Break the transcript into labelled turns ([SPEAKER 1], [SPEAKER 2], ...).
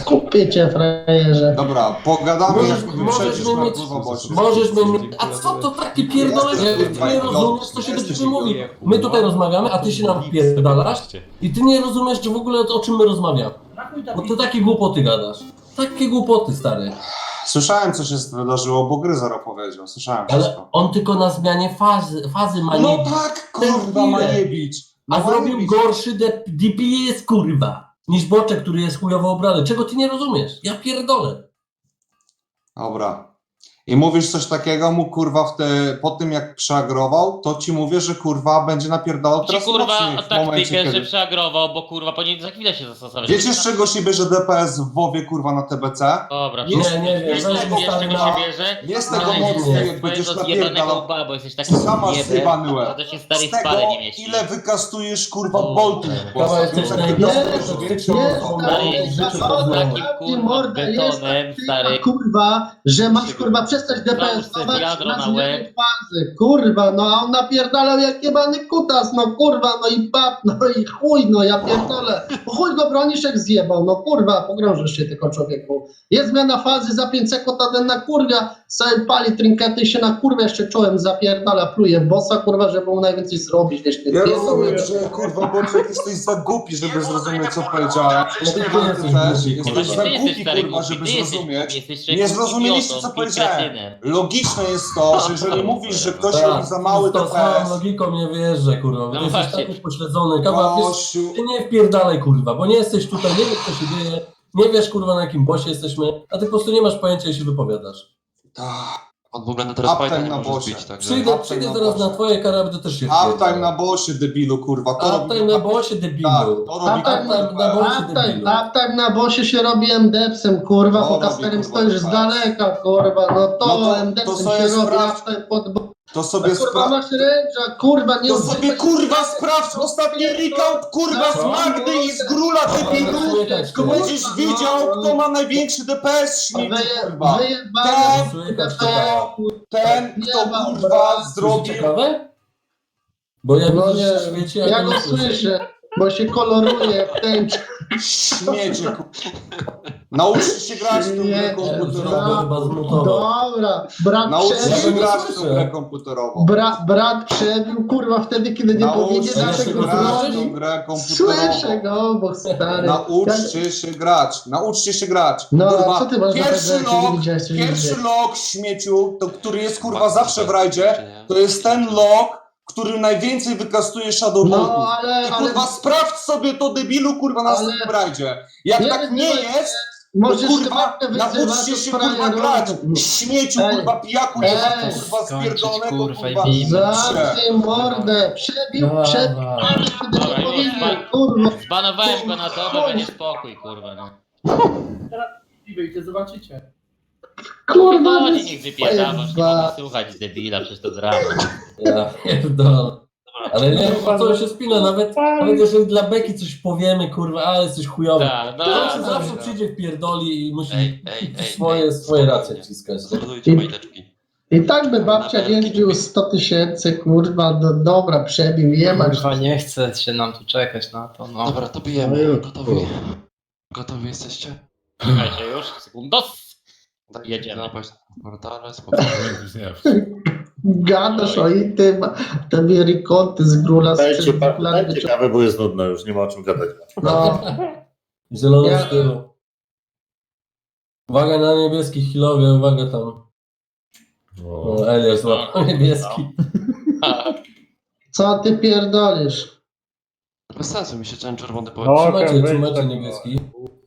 [SPEAKER 1] Skupię cię, frajerze.
[SPEAKER 2] Dobra, pogadamy
[SPEAKER 3] Możesz-
[SPEAKER 2] jak
[SPEAKER 3] możesz
[SPEAKER 2] wyprzedzisz
[SPEAKER 3] mnie
[SPEAKER 2] na
[SPEAKER 3] mieć-
[SPEAKER 2] głowa bocie.
[SPEAKER 3] Możesz mnie... A co to takie pierdolenie?
[SPEAKER 2] Jesteś,
[SPEAKER 3] Ty nie
[SPEAKER 2] kurwa,
[SPEAKER 3] rozumiesz, co się do
[SPEAKER 2] jesteś
[SPEAKER 3] ciebie mówi. My tutaj rozmawiamy, a ty się nam pierdalasz i ty nie rozumiesz w ogóle o czym my rozmawiamy. Bo ty takie głupoty gadasz. Takie głupoty, stary.
[SPEAKER 2] Słyszałem, co się wydarzyło, bo Gryzor opowiedział. Słyszałem
[SPEAKER 3] Ale
[SPEAKER 2] wszystko.
[SPEAKER 3] on tylko na zmianie fazy ma
[SPEAKER 2] No
[SPEAKER 3] nie...
[SPEAKER 2] tak, kurwa, Majewicz.
[SPEAKER 3] A zrobił gorszy DPS, kurwa, niż Boczek, który jest chujowo obrany. Czego ty nie rozumiesz? Ja pierdolę.
[SPEAKER 2] Dobra. I mówisz coś takiego mu, kurwa, po tym jak przeagrował, to ci mówię, że kurwa będzie napierdalał
[SPEAKER 4] Ci
[SPEAKER 2] teraz
[SPEAKER 4] kurwa
[SPEAKER 2] mocniej w momencie,
[SPEAKER 4] taktykę, że
[SPEAKER 2] kiedy...
[SPEAKER 4] przeagrował, bo kurwa powinien za chwilę się zastosować.
[SPEAKER 2] Wiecie, z czego się bierze DPS w WoWie, kurwa, na TBC?
[SPEAKER 4] Dobra,
[SPEAKER 2] Nie,
[SPEAKER 3] nie wiem,
[SPEAKER 4] wiesz,
[SPEAKER 3] weź mi
[SPEAKER 4] wiesz
[SPEAKER 3] stary
[SPEAKER 4] czego
[SPEAKER 3] na...
[SPEAKER 4] się bierze?
[SPEAKER 2] Nie z
[SPEAKER 3] Ale
[SPEAKER 2] tego
[SPEAKER 3] nie,
[SPEAKER 2] mocniej,
[SPEAKER 3] nie.
[SPEAKER 2] jak będziesz
[SPEAKER 4] Twojego zjebanego
[SPEAKER 2] napierdalał.
[SPEAKER 4] łba, bo jesteś taki
[SPEAKER 2] Sama
[SPEAKER 4] jebem,
[SPEAKER 2] zjebany
[SPEAKER 4] to
[SPEAKER 2] łeb.
[SPEAKER 4] to się stary
[SPEAKER 2] Z
[SPEAKER 4] w
[SPEAKER 2] tego,
[SPEAKER 4] spale nie mieści.
[SPEAKER 2] ile wykastujesz, kurwa,
[SPEAKER 4] O,
[SPEAKER 2] boltów w
[SPEAKER 3] Kawa,
[SPEAKER 2] bossach.
[SPEAKER 3] jesteś
[SPEAKER 2] Więc jak
[SPEAKER 3] najgorszą
[SPEAKER 2] wykastujesz więcej
[SPEAKER 3] toksyczną
[SPEAKER 2] boltów,
[SPEAKER 3] osobą w życiu poznałem.
[SPEAKER 4] Takim kurwa betonem, stary.
[SPEAKER 1] Kurwa, że masz kurwa przestać DPS-ować
[SPEAKER 4] Załóż wiadro na
[SPEAKER 1] na zmianę
[SPEAKER 4] łeb.
[SPEAKER 1] fazy. Kurwa, no a on napierdalał jak jebany kutas, no kurwa, no i pap, no i chuj, no ja pierdolę. Chuj go Broniszek zjebał, no kurwa, pogrążysz się tylko człowieku. Jest zmiana fazy, za 5 sekund a ten na kurwia, sobie pali trinkety i się na kurwę jeszcze czołem zapierdala, pluje w bossa, kurwa, żeby mu najwięcej zrobić, wiesz, nie
[SPEAKER 2] Ja
[SPEAKER 1] pierdolę.
[SPEAKER 2] rozumiem, że kurwa, Boczek, jesteś za głupi, żeby zrozumieć, co powiedziałem. Ty
[SPEAKER 3] jesteś
[SPEAKER 2] też
[SPEAKER 3] głupi,
[SPEAKER 2] jesteś
[SPEAKER 3] kurwa.
[SPEAKER 2] za
[SPEAKER 4] Ty
[SPEAKER 2] głupi,
[SPEAKER 4] jesteś stary
[SPEAKER 2] kurwa,
[SPEAKER 4] głupi,
[SPEAKER 2] żeby
[SPEAKER 4] ty jesteś
[SPEAKER 2] zrozumieć.
[SPEAKER 4] głupi, jesteś
[SPEAKER 2] Nie
[SPEAKER 4] człowiekiem
[SPEAKER 2] zrozumieliście,
[SPEAKER 4] idiotą
[SPEAKER 2] co
[SPEAKER 4] i
[SPEAKER 2] powiedziałem.
[SPEAKER 4] kretynem.
[SPEAKER 2] Logiczne jest to, że jeżeli mówisz, że ktoś robi za mały
[SPEAKER 3] z tą samą
[SPEAKER 2] DPS,
[SPEAKER 3] logiką nie wierzę, kurwa, bo
[SPEAKER 4] No
[SPEAKER 3] ty jesteś
[SPEAKER 4] właśnie.
[SPEAKER 3] taki pośledzony. Kawa, wiesz,
[SPEAKER 2] gościu,
[SPEAKER 3] ty nie wpierdalaj, kurwa, bo nie jesteś tutaj, nie wiesz, co się dzieje, nie wiesz, kurwa, na jakim bosie jesteśmy, a ty po prostu nie masz pojęcia i się wypowiadasz.
[SPEAKER 5] On w ogóle na teraz
[SPEAKER 2] Uptime
[SPEAKER 5] Python
[SPEAKER 2] na
[SPEAKER 5] nie może
[SPEAKER 2] bossie.
[SPEAKER 5] bić, także...
[SPEAKER 3] Przyjdę
[SPEAKER 2] Uptime na
[SPEAKER 3] zaraz
[SPEAKER 2] bossie.
[SPEAKER 3] na twoje karabiny, też się
[SPEAKER 2] uptime na bossie, debilu, kurwa. To robi
[SPEAKER 3] Uptime na bosie, debilu.
[SPEAKER 2] Tak, to robi
[SPEAKER 3] Uptime na bosie, debilu.
[SPEAKER 1] Uptime na bosie się robi MDepsem, kurwa,
[SPEAKER 2] To
[SPEAKER 1] po
[SPEAKER 2] robi,
[SPEAKER 1] kasterem
[SPEAKER 2] kurwa,
[SPEAKER 1] stoisz z
[SPEAKER 2] tak.
[SPEAKER 1] daleka, kurwa, no to,
[SPEAKER 2] No to
[SPEAKER 1] MDepsem
[SPEAKER 2] sobie
[SPEAKER 1] się robi,
[SPEAKER 2] sprawdź.
[SPEAKER 1] uptime pod
[SPEAKER 2] To sobie
[SPEAKER 1] kurwa
[SPEAKER 2] sprawdź.
[SPEAKER 1] masz ręcza, kurwa, nie
[SPEAKER 2] To sobie kurwa sprawdź ostatni recount, kurwa, z
[SPEAKER 3] Co?
[SPEAKER 2] Magdy i z Grula, debilu.
[SPEAKER 3] Słychać
[SPEAKER 2] To
[SPEAKER 3] cię.
[SPEAKER 2] będziesz widział, kto ma największy DPS, śmieci, kurwa.
[SPEAKER 1] Wyjebane,
[SPEAKER 3] Słychać
[SPEAKER 2] To
[SPEAKER 3] cię.
[SPEAKER 2] ten, kto kurwa zrobił...
[SPEAKER 3] Ciekawe? Bo ja
[SPEAKER 1] no
[SPEAKER 3] widzę,
[SPEAKER 1] nie,
[SPEAKER 3] że w świecie,
[SPEAKER 1] ja go słyszę, bo się koloruje w tęczy.
[SPEAKER 2] Śmiecie, kurwa. Nauczcie się grać w tą grę
[SPEAKER 1] Nie,
[SPEAKER 2] komputerową.
[SPEAKER 3] Chyba zmutował.
[SPEAKER 1] Dobra, brat
[SPEAKER 2] Nauczcie
[SPEAKER 1] przebił,
[SPEAKER 2] się
[SPEAKER 3] nie
[SPEAKER 2] grać w tą
[SPEAKER 3] słyszę.
[SPEAKER 2] grę komputerową.
[SPEAKER 1] brat przebił, kurwa, wtedy, kiedy nie powinien
[SPEAKER 2] Nauczcie się
[SPEAKER 1] dlatego
[SPEAKER 2] grać w
[SPEAKER 1] zrobić.
[SPEAKER 2] tą grę
[SPEAKER 1] Słyszę
[SPEAKER 2] komputerową.
[SPEAKER 1] go, bo stary.
[SPEAKER 2] Nauczcie się grać, nauczcie się grać.
[SPEAKER 1] No,
[SPEAKER 2] Kurwa,
[SPEAKER 1] co ty masz
[SPEAKER 2] pierwszy
[SPEAKER 1] za pewno, jak nie
[SPEAKER 2] log,
[SPEAKER 1] widziałeś, co się
[SPEAKER 2] pierwszy
[SPEAKER 1] dzieje?
[SPEAKER 2] log śmieciu, to, który jest kurwa zawsze w rajdzie, to jest ten log, który najwięcej wykastuje Shadow
[SPEAKER 1] No,
[SPEAKER 2] Boltów.
[SPEAKER 1] ale,
[SPEAKER 2] I kurwa sprawdź sobie to debilu kurwa na
[SPEAKER 1] Ale-
[SPEAKER 2] następnym rajdzie. Jak
[SPEAKER 1] Nie
[SPEAKER 2] tak nie
[SPEAKER 1] wyzywaj
[SPEAKER 2] jest, to
[SPEAKER 1] możesz
[SPEAKER 2] kurwa
[SPEAKER 1] ty babkę wyzywać,
[SPEAKER 2] nauczcie
[SPEAKER 1] to
[SPEAKER 2] się
[SPEAKER 1] sprawie
[SPEAKER 2] kurwa grać.
[SPEAKER 1] robię.
[SPEAKER 2] Śmieciu
[SPEAKER 1] Ej,
[SPEAKER 2] kurwa pijaku
[SPEAKER 1] ej,
[SPEAKER 2] jebany kurwa
[SPEAKER 5] skończyć,
[SPEAKER 2] spierdolonego
[SPEAKER 5] kurwa, i
[SPEAKER 2] kurwa.
[SPEAKER 5] bijmy.
[SPEAKER 1] Zamknij mordę, przebił, kiedy
[SPEAKER 4] Dobra,
[SPEAKER 1] nie
[SPEAKER 4] już
[SPEAKER 1] powinien,
[SPEAKER 4] spadł.
[SPEAKER 1] kurwa.
[SPEAKER 4] Zbanowałem go na dobę, będzie spokój, kurwa, no.
[SPEAKER 6] I wyjdzie, zobaczycie.
[SPEAKER 1] Kurwa,
[SPEAKER 4] Chodzi, niech wypierdalasz, nie
[SPEAKER 1] Kurwa.
[SPEAKER 4] mogę słuchać debila, przecież to drama.
[SPEAKER 3] Ja pierdolę. Ale nie wiem, po co się spina, nawet jeżeli dla Beki coś powiemy, kurwa, ale jesteś chujowy.
[SPEAKER 4] Tak,
[SPEAKER 3] Zawsze przyjdzie w pierdoli i musi
[SPEAKER 5] Ej,
[SPEAKER 3] swoje racje wciskać.
[SPEAKER 5] Zbudujcie majteczki.
[SPEAKER 1] I tak by babcia nie wbił 100 tysięcy, kurwa, dobra, przebił, jebać.
[SPEAKER 7] Kurwa, nie chce się nam tu czekać na to, no.
[SPEAKER 5] Dobra, to bijemy. Gotowi? Gotowi jesteście?
[SPEAKER 4] Czekajcie już, sekundos. Jedziemy.
[SPEAKER 5] Napaść na portale, spokojnie.
[SPEAKER 1] Gadasz o i tym, tobie rekonty z grula
[SPEAKER 8] Dajcie, dajcie kawę, bo jest nudno już, nie ma o czym gadać.
[SPEAKER 1] No,
[SPEAKER 3] Zieloną
[SPEAKER 1] Ja-
[SPEAKER 3] z tyłu. Uwaga na niebieski chwilowie, uwaga tam. O, Elias złapał niebieski.
[SPEAKER 1] co ty pierdolisz?
[SPEAKER 5] Bez sensu mi się ten czerwony
[SPEAKER 8] No,
[SPEAKER 5] powiedział.
[SPEAKER 3] Trzymajcie,
[SPEAKER 8] okej,
[SPEAKER 3] trzymajcie
[SPEAKER 8] tak.
[SPEAKER 3] niebieski.